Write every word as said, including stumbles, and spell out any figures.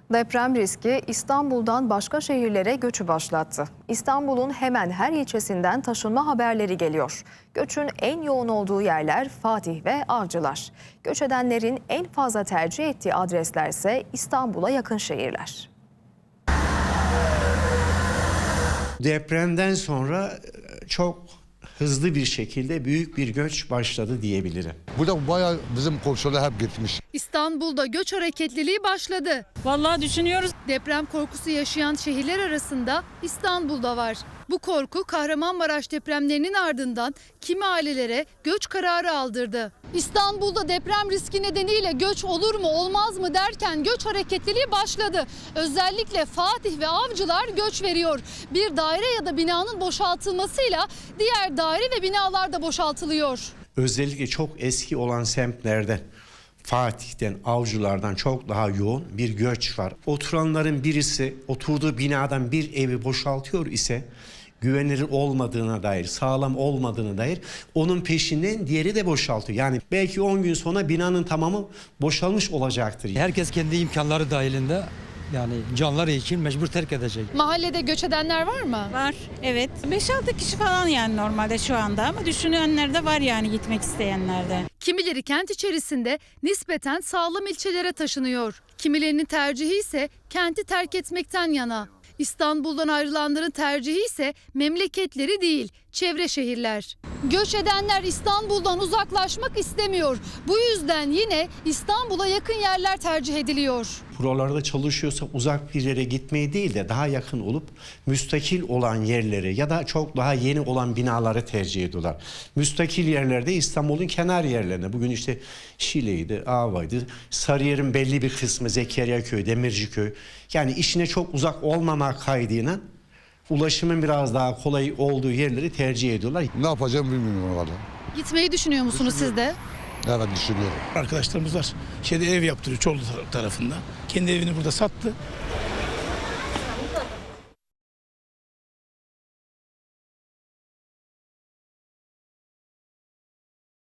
Deprem riski İstanbul'dan başka şehirlere göçü başlattı. İstanbul'un hemen her ilçesinden taşınma haberleri geliyor. Göçün en yoğun olduğu yerler Fatih ve Avcılar. Göç edenlerin en fazla tercih ettiği adresler ise İstanbul'a yakın şehirler. Depremden sonra çok hızlı bir şekilde büyük bir göç başladı diyebilirim. Burada bayağı bizim komşular hep gitmiş. İstanbul'da göç hareketliliği başladı. Vallahi düşünüyoruz. Deprem korkusu yaşayan şehirler arasında İstanbul'da var. Bu korku Kahramanmaraş depremlerinin ardından kimi ailelere göç kararı aldırdı. İstanbul'da deprem riski nedeniyle göç olur mu olmaz mı derken göç hareketliliği başladı. Özellikle Fatih ve Avcılar göç veriyor. Bir daire ya da binanın boşaltılmasıyla diğer daire ve binalar da boşaltılıyor. Özellikle çok eski olan semtlerden, Fatih'ten, Avcılar'dan çok daha yoğun bir göç var. Oturanların birisi oturduğu binadan bir evi boşaltıyor ise güvenilir olmadığına dair, sağlam olmadığına dair onun peşinden diğeri de boşaltıyor. Yani belki on gün sonra binanın tamamı boşalmış olacaktır. Herkes kendi imkanları dahilinde yani canları için mecbur terk edecek. Mahallede göç edenler var mı? Var, evet. beş altı kişi falan yani normalde şu anda ama düşünenler de var yani gitmek isteyenler de. Kimileri kent içerisinde nispeten sağlam ilçelere taşınıyor. Kimilerinin tercihi ise kenti terk etmekten yana. İstanbul'dan ayrılanların tercihi ise memleketleri değil, çevre şehirler. Göç edenler İstanbul'dan uzaklaşmak istemiyor. Bu yüzden yine İstanbul'a yakın yerler tercih ediliyor. Buralarda çalışıyorsa uzak bir yere gitmeyi değil de daha yakın olup müstakil olan yerleri ya da çok daha yeni olan binaları tercih ediyorlar. Müstakil yerlerde İstanbul'un kenar yerlerine, bugün işte Şile'ydi, Ava'ydı, Sarıyer'in belli bir kısmı, Zekeriyaköy, Demirciköy, yani işine çok uzak olmamak kaydıyla ulaşımın biraz daha kolay olduğu yerleri tercih ediyorlar. Ne yapacağım bilmiyorum valla. Gitmeyi düşünüyor musunuz siz de? Evet düşünüyorum. Arkadaşlarımız var. Şeyde ev yaptırıyor Çorlu tarafında. Kendi evini burada sattı.